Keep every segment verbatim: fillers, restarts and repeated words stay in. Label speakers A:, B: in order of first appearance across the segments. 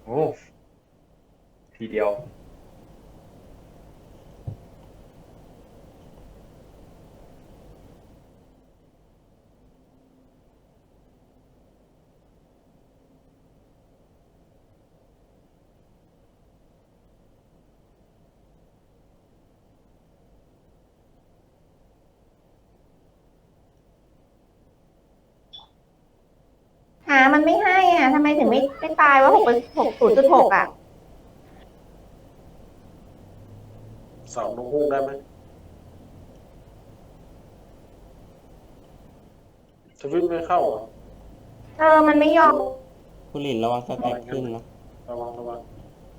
A: โอ้ทีเดียว
B: หามันไม่ให้อ่ะทำไมถึงไม่ไม่ตายว่าหกหกศูนย์จุดหกอ่ะ
C: เสาลงหุ้งได้ไหมทวิตไม่เข้าเหรอ
B: เออมันไม่ยอม
D: คุณหลินระวังสแต็กขึ้นนะ
C: ระวังระวัง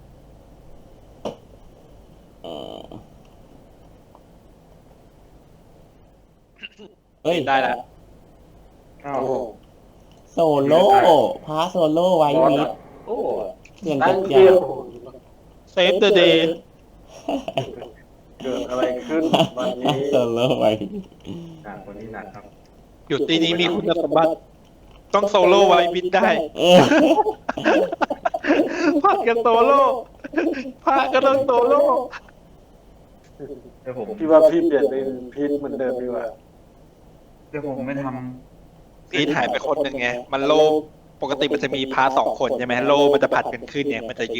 D: เออเอ้ย
E: ได้แล้ว
A: อ้าว
C: โอ้โห
D: โซโล่พาโซโล่ไว้
A: บอส
D: มิ
A: อะ
D: ด
A: โอ้
D: เพื่อน
C: ตั้
D: จั
C: ง
D: ด
C: เกี
D: ยา
C: ยว
E: เซฟเดอะเดย์
C: เกิดอะไรขึ้นวันนี้
D: โซโล่ไว้
A: หนักคนนี้หนักครับ
E: อยู่ตีนี้มีคุณสมบัติ ต้องโซโล่ไว้บินได้
D: เออ
E: ผัดกันโซโล่พาก็ต้องโซโล่
A: เดี๋ยวผม
C: พี่ว่าพี่เปลี่ยนเป็นพีทเหมือนเดิมดีกว่า
A: เดี๋ยวผมไม่ท
E: พีทหายไปคนหนึ่งไง มันโลปกติมันจะมีพาสองคนใช่ไหมโลมันจะผัดกันขึ้นเนี่ยมันจะ